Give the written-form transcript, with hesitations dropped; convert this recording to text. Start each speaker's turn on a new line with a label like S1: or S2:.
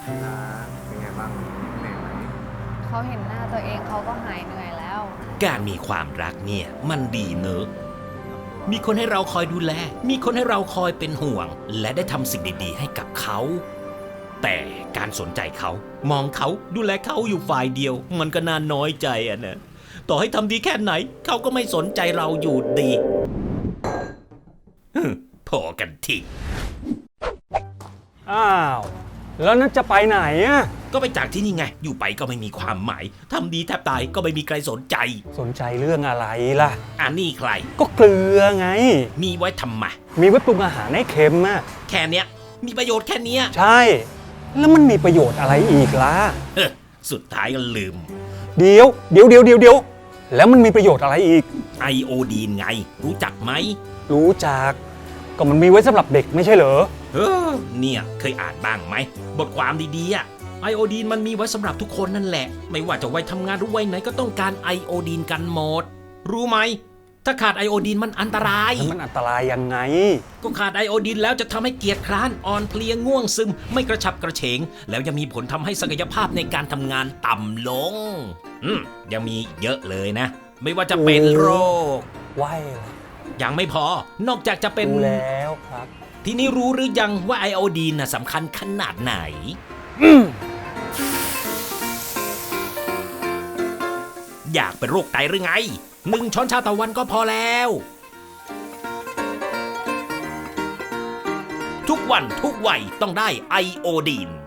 S1: เป็นไงบ้างเหนื่อยไหม
S2: เขาเห็นหน้าตัวเองเขาก็หายเหนื่อยแล้ว
S3: การมีความรักเนี่ยมันดีเนอะมีคนให้เราคอยดูแล มีคนให้เราคอยเป็นห่วง และได้ทำสิ่งดีๆให้กับเขา แต่การสนใจเขา มองเขาดูแลเขาอยู่ฝ่ายเดียว มันก็น่าน้อยใจอะนะต่อให้ทำดีแค่ไหน เขาก็ไม่สนใจเราอยู่ดีพอกันที
S4: อ้าวแล้วนั่นจะไปไหนอะ
S3: ก็ไปจากที่นี่ไง อยู่ไปก็ไม่มีความหมายทำดีแทบตายก็ไม่มีใครสนใจ
S4: สนใจเรื่องอะไรล่ะ
S3: อันนี้ใคร
S4: ก็เกลือไง
S3: มีไว้ทำไม
S4: มีไว้ปรุงอาหารให้เค็มอะ
S3: แค่เนี้ยมีประโยชน์แค่เนี้ย
S4: ใช่ แล้วมันมีประโยชน์อะไรอีกล่ะ
S3: สุดท้ายก็ลืม
S4: เดี๋ยวแล้วมันมีประโยชน์อะไรอีก
S3: ไอโอดีนไง รู้จักไหม
S4: รู้จักก็มันมีไว้สำหรับเด็กไม่ใช่เหรอ
S3: เนี่ยเคยอ่านบ้างไหมบทความดีๆอะไอโอดีนมันมีไว้สำหรับทุกคนนั่นแหละ ไม่ว่าจะวัยทำงานหรือวัยไหนก็ต้องการไอโอดีนกันหมด รู้ไหมถ้าขาดไอโอดีนมันอันตราย
S4: มันอันตรายยังไง
S3: ก็ขาดไอโอดีนแล้วจะทำให้เกียจคร้านอ่อนเพลียง่วงซึมไม่กระฉับกระเฉงแล้วยังมีผลทำให้ศักยภาพในการทำงานต่ำลงยังมีเยอะเลยนะ ไม่ว่าจะเป็นโรค
S4: ไหวละ
S3: ยังไม่พอนอกจากจะเป็น
S4: รู้แล้วครับ
S3: ทีนี้รู้หรือยังว่าไอโอดีนน่ะสำคัญขนาดไหน อยากเป็นโรคไตหรือไง1 ช้อนชาต่อวันก็พอแล้ว ทุกวันทุกวัยต้องได้ไอโอดีน